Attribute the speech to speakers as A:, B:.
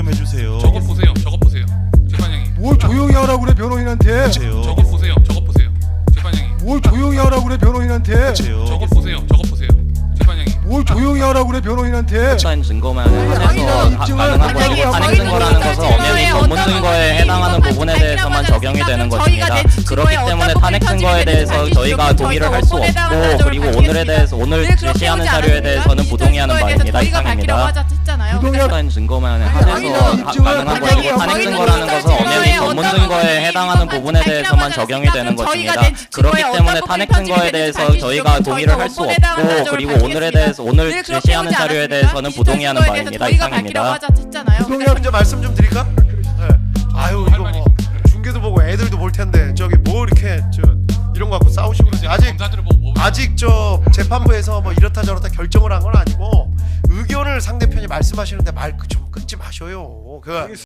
A: 좀 해주세요.
B: 저것 보세요. 저것 보세요. 재판장님.
C: 뭘 조용히 하라고 그래 변호인한테.
A: 해주세요.
B: 저것 보세요. 저것 보세요. 재판장님.
C: 뭘 조용히 하라고 그래 변호인한테.
A: 해주세요.
B: 저것 보세요. 저것 보세요. 재판장님.
C: 뭘 조용히 하라고 그래 변호인한테.
D: 사인 증거만 한해서
C: 입증을
D: 가능한 것이고
C: 하려고
D: 탄핵
C: 하고
D: 증거라는 것은 엄연히 전문 증거에 해당하는 부분에 대해서만 적용이 되는 것입니다. 그렇기 때문에 탄핵 증거에 대해서 저희가 동의를 할 수 없고 그리고 오늘 제시하는 자료에 대해서는 부동의하는 바입니다. 이상입니다. 사인 증거만 한해서 가능한 것이고 탄핵 증거라는 것은 엄연히 전문 증거에 해당하는 부분에 대해서만 적용이 되는 것입니다. 그렇기 때문에 탄핵 증거에 대해서 저희가 동의를 할 수 없고 그리고 오늘 제시하는 자료에 대해서는 부동의하는 바입니다. 이상입니다.
E: 먼저 말씀 좀 드릴까? 네. 아유 이거 뭐 중계도 보고 애들도 볼 텐데 저기 뭐 이렇게 이런 거 갖고 싸우시고 그러지.
B: 검사들을 보고 뭐
E: 아직 저 재판부에서 뭐 이렇다 저렇다 결정을 한 건 아니고 의견을 상대편이 말씀하시는데 말 좀 끊지 마셔요.